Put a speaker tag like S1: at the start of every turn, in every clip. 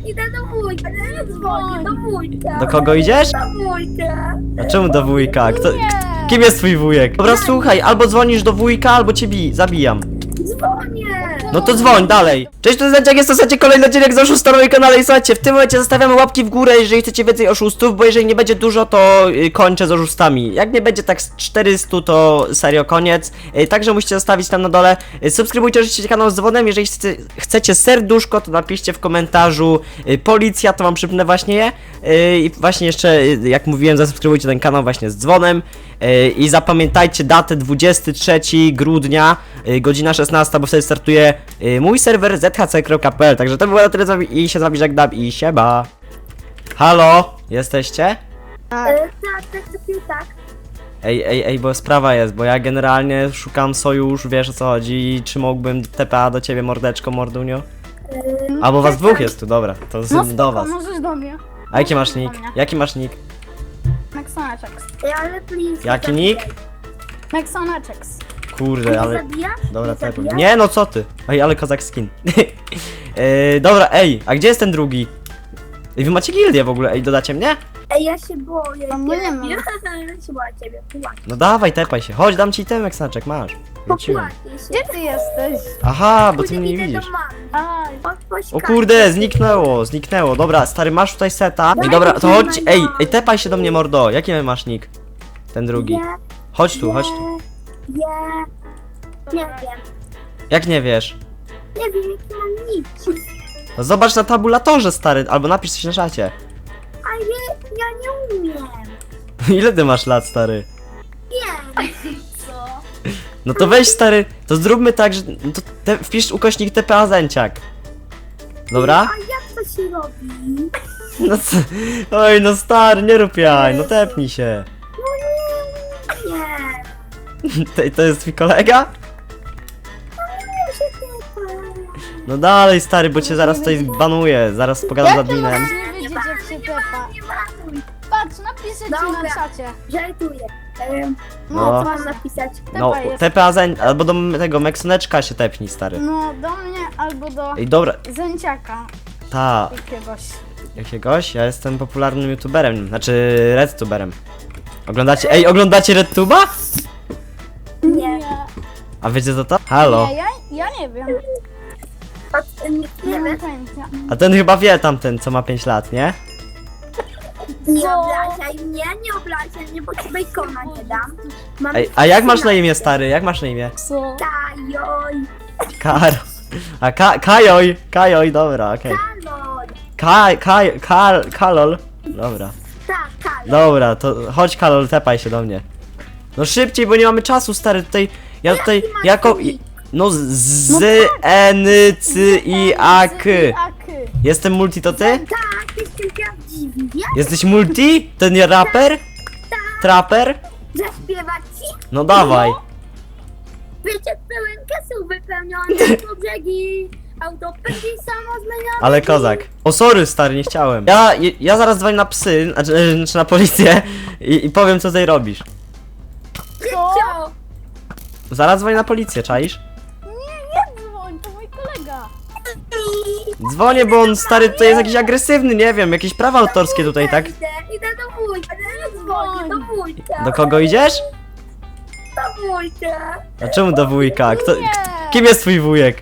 S1: idę do wujka, dzwonię do wujka.
S2: Do kogo idziesz?
S1: Do wujka.
S2: A czemu do wujka? Kim jest twój wujek? Dobra, słuchaj, albo dzwonisz do wujka, albo cię zabiję.
S1: Dzwonię.
S2: No to dzwoń dalej. Cześć, to jest Zęciak, jest to słuchajcie kolejny odcinek z oszustów na moim kanale i słuchajcie, w tym momencie zostawiamy łapki w górę, jeżeli chcecie więcej oszustów, bo jeżeli nie będzie dużo, to kończę z oszustami. Jak nie będzie tak z 400, to serio koniec. Także musicie zostawić tam na dole. Subskrybujcie oczywiście kanał z dzwonem, jeżeli chcecie serduszko, to napiszcie w komentarzu policja, to wam przypnę właśnie je. I właśnie jeszcze, jak mówiłem, zasubskrybujcie ten kanał właśnie z dzwonem. I zapamiętajcie datę 23 grudnia, godzina 16, bo wtedy startuje mój serwer zhc.pl. Także to było na tyle z wami i się z wami żegnam i siema. Halo? Jesteście?
S1: Tak.
S2: Ej, bo sprawa jest, bo ja generalnie szukam sojusz, wiesz o co chodzi, i czy mógłbym TPA do ciebie, mordeczko, mordunio? Albo was dwóch jest tu, dobra, to do was.
S3: Możesz do mnie.
S2: A jaki masz nick? Jaki masz nick?
S3: Maxonaczeks.
S1: Ale please.
S2: Jaki nick?
S3: Maxonaczeks.
S2: Kurde, ale...
S1: Zabija?
S2: Dobra,
S1: Nie
S2: tak.
S1: zabija?
S2: Nie, no co ty? Ej, ale kozak skin. Dobra, ej, a gdzie jest ten drugi? Ej, wy macie gildię w ogóle, ej, dodacie mnie?
S1: Ej, ja się boję.
S3: No my nie mamy.
S1: Ja się boję ciebie. Płacz.
S2: No dawaj, tepaj się. Chodź, dam ci temek, znaczek, masz. Wróciłem.
S1: Popłacię się.
S3: Gdzie ty jesteś?
S2: Aha, bo ty
S1: Później
S2: mnie nie
S1: idę do
S2: widzisz.
S1: mamy.
S3: Aj.
S2: O kurde, zniknęło. Dobra, stary, masz tutaj seta. Ej, dobra, to chodź, ej, tepaj się do mnie, mordo. Jaki masz nick? Ten drugi. Chodź tu.
S1: Nie wiem.
S2: Jak nie wiesz?
S1: Nie wiem, jaki mam nick.
S2: No zobacz na tabulatorze, stary, albo napisz coś na czacie.
S1: A ja nie umiem.
S2: Ile ty masz lat, stary?
S1: Wiem.
S2: No to weź, stary, to zróbmy tak, że no to wpisz ukośnik TPA Zęciak. Dobra?
S1: A jak to się robi?
S2: No co? Oj, no stary, nie rób jaj, no tepnij się.
S1: No nie.
S2: To jest twój kolega?
S1: Nie się tepa.
S2: No dalej, stary, bo cię zaraz tutaj banuję, zaraz pogadam z adminem.
S3: Nie wiedzieć jak się tepa.
S1: Nie maluj.
S3: Patrz, napiszę ci na
S1: Dobra.
S3: czacie.
S1: Żartuję.
S2: No.
S1: Co mam napisać?
S2: No,
S3: Tepa jest.
S2: TPA Zęciak, albo do tego Meksoneczka się tepnij, stary.
S3: No, do mnie albo do
S2: Ej, dobra,
S3: Zęciaka
S2: ta,
S3: jakiegoś.
S2: ja jestem popularnym youtuberem, znaczy redtuberem. Oglądacie redtuba?
S1: Nie.
S2: A wiecie co to? Halo.
S3: Nie, ja nie wiem.
S1: Nie
S3: Nie mam
S1: wiem.
S3: pojęcia.
S2: A ten chyba wie tamten, co ma 5 lat, nie?
S1: Nie
S3: Co?
S1: obrażaj mnie, nie obrażaj mnie, bo ci bejkona nie dam. Mam
S2: Ej, a jak masz na imię, stary? Jak masz na imię?
S3: Co?
S1: Tajoj.
S2: Karo. A Kajoj, dobra, okej.
S1: Kaloj.
S2: Kalol. Dobra.
S1: Tak, kaloj.
S2: Dobra, to chodź Kalol, tepaj się do mnie. No szybciej, bo nie mamy czasu, stary, tutaj... Ja tutaj
S1: Jaki masz
S2: jako...
S1: nick?
S2: No z N C I A K. Jestem multi, to ty?
S1: Tak, ty jesteś prawdziwy, wiesz?
S2: Jesteś multi? Ten raper? Trapper?
S1: Zaśpiewać ci?
S2: No dawaj.
S1: Wiecie, pełen kesu wypełniony po brzegi. Auto pędzi samo zmienione.
S2: Ale kozak. O sorry, stary, nie chciałem. Ja zaraz dzwonię na psy, znaczy na policję i powiem, co tutaj robisz.
S1: Co?
S2: Zaraz dzwonię na policję, czaisz?
S3: Nie dzwoń, to mój kolega.
S2: Dzwonię, bo on, stary, tutaj jest jakiś agresywny, nie wiem, jakieś prawa autorskie tutaj, tak?
S1: Idę do wujka, dzwonię do wujka.
S2: Do kogo idziesz?
S1: Do wujka.
S2: A czemu do wujka? Kim jest twój wujek?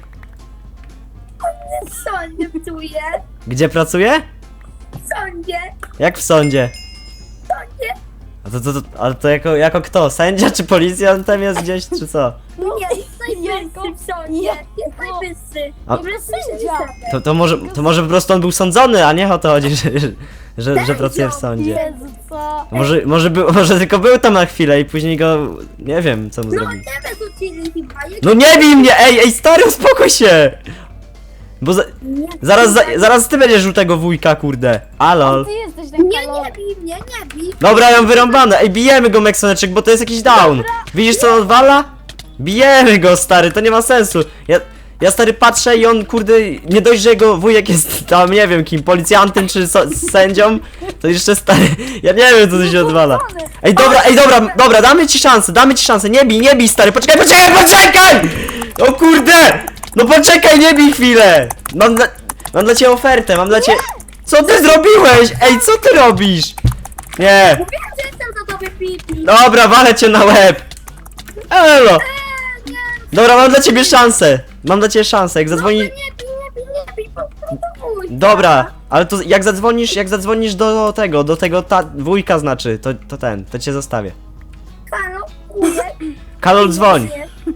S1: W sądzie pracuje.
S2: Gdzie pracuje?
S1: W sądzie.
S2: Jak w sądzie?
S1: W sądzie.
S2: Ale to jako kto? Sędzia czy policjantem jest gdzieś, czy co?
S1: Nie, jest najwyższy w sądzie. Jest najwyższy.
S2: A-
S3: Nie sędzia.
S2: To może po prostu on był sądzony, a nie o to chodzi, że pracuje w sądzie.
S3: Jezu, co?
S2: Może tylko był tam na chwilę i później go... Nie wiem, co mu
S1: No
S2: zrobił.
S1: nie wyrzucili chyba.
S2: No nie bij mnie! Ej, stary, uspokój się! Bo
S1: Nie,
S2: zaraz ty będziesz żółtego wujka, kurde. Alol.
S3: Ty jesteś ten
S1: nie,
S3: kolor.
S1: nie bij mnie, nie bij.
S2: Dobra, ja mam wyrąbane. Ej, bijemy go, Meksoneczek, bo to jest jakiś down. Widzisz, co on odwala? Bijemy go, stary, to nie ma sensu. Ja stary patrzę i on, kurde, nie dość, że jego wujek jest tam, nie wiem kim, policjantem czy sędzią, to jeszcze stary, ja nie wiem, co tu się odwala. Ej, dobra, damy ci szansę, nie bij, stary, poczekaj! O kurde! No poczekaj, nie bij chwilę! Mam dla ciebie ofertę, mam dla ciebie... Co ty zrobiłeś? Ej, co ty robisz? Nie.
S1: Mówiłem, że jestem za tobie pipi.
S2: Dobra, walę cię na łeb. Elo.
S1: Nie,
S2: Dobra, mam dla ciebie szansę. Mam dla ciebie szansę, jak zadzwoni...
S1: nie bij, po prostu wujka.
S2: Dobra, ale to jak zadzwonisz do tego wujka znaczy, to cię zostawię.
S1: Halo, wujek.
S2: Karol, dzwoń.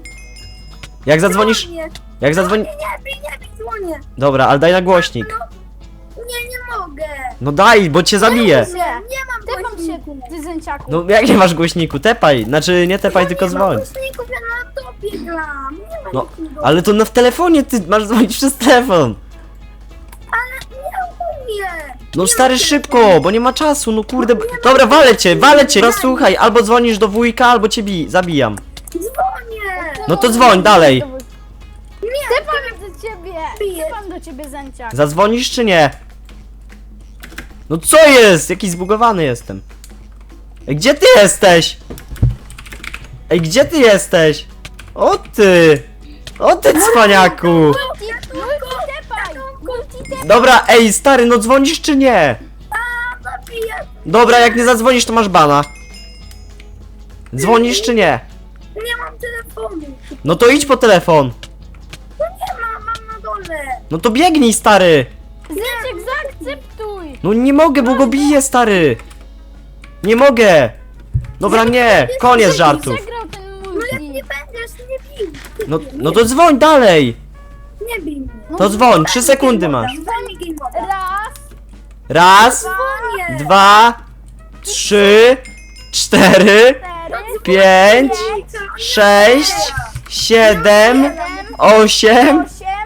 S2: Jak zadzwonisz...
S1: Dzwonię.
S2: Jak zadzwoni...
S1: Nie bij, dzwonię.
S2: Dobra, ale daj na głośnik.
S1: Nie mogę.
S2: No daj, bo cię zabiję.
S1: Nie mam
S3: Tepam się,
S1: głośniku.
S3: ty zęciaku.
S2: No jak nie masz głośniku? Tepaj. Znaczy nie tepaj, tylko
S1: Nie mam
S2: dzwoń.
S1: głośników, ja na laptopie gram. Nie ma
S2: No,
S1: nikogo.
S2: ale to w telefonie ty masz dzwonić przez telefon.
S1: Ale nie umiem.
S2: No
S1: Nie
S2: stary,
S1: mam
S2: szybko, bo nie ma czasu, no kurde. Dobra, walę cię. No słuchaj, albo dzwonisz do wujka, albo cię zabijam.
S1: Dzwonię.
S2: No to dzwoń dalej.
S1: Nie,
S3: Tepam do ciebie.
S1: Piję.
S3: Tepam do ciebie zęciak.
S2: Zadzwonisz czy nie? No co jest? Jakiś zbugowany jestem. Ej, gdzie ty jesteś? Ej, gdzie ty jesteś? O ty! O ty cwaniaku!
S3: Multi tepaj. Multi tepaj.
S2: Dobra, ej stary, no dzwonisz czy nie?
S1: zabiję.
S2: Dobra, jak nie zadzwonisz, to masz bana. Dzwonisz czy nie?
S1: Nie mam telefonu.
S2: No to idź po telefon.
S1: No nie mam na dole.
S2: No to biegnij, stary.
S3: Zęciak, zaakceptuj.
S2: No nie mogę, bo go biję, stary. Nie mogę. Dobra, nie, koniec żartów.
S3: Przegrał ten
S1: No jak
S3: multi.
S1: nie będziesz, nie bij.
S2: No to dzwoń dalej.
S1: Nie bij mnie.
S2: To dzwoń, 3 sekundy masz.
S1: Daj mi game moda.
S3: Raz,
S2: Raz,
S1: Dzwonię.
S2: 2, 3, 4, 5, 6, 7, 8,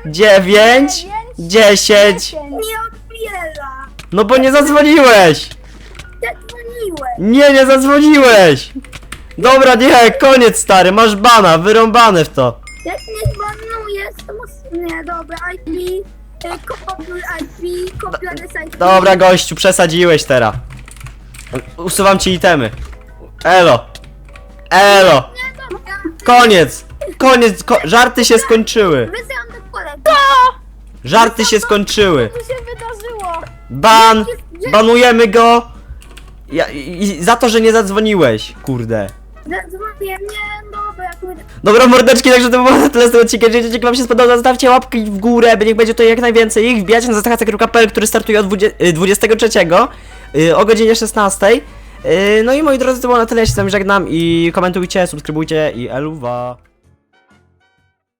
S2: 9, 10.
S1: Nie odbiera.
S2: No bo nie zadzwoniłeś.
S1: Zadzwoniłem.
S2: Nie zadzwoniłeś. Dobra, nie, koniec stary, masz bana, wyrąbane w to.
S1: Jak nie zbanujesz, to mus... Nie, dobra, IP. Kopiuj IP, kopiuj adres IP.
S2: Dobra gościu, przesadziłeś teraz. Usuwam ci itemy. Elo. Elo.
S1: Nie, dobra.
S2: Koniec, żarty się skończyły.
S1: Wysyłam do kolegi.
S2: Żarty się skończyły.
S3: co się wydarzyło?
S2: Banujemy go. I za to, że nie zadzwoniłeś, kurde.
S1: Zadzwonię, nie, dobra, kurde.
S2: Dobra mordeczki, także to było na tyle z tego odcinka. Jeżeli odcinek wam się spodobał, zostawcie łapki w górę, by niech będzie to jak najwięcej ich. Wbijajcie na zastachacek.pl, który startuje od 23 o godzinie 16. No i moi drodzy, to było na tyle, ja się z wami żegnam i komentujcie, subskrybujcie i eluwa.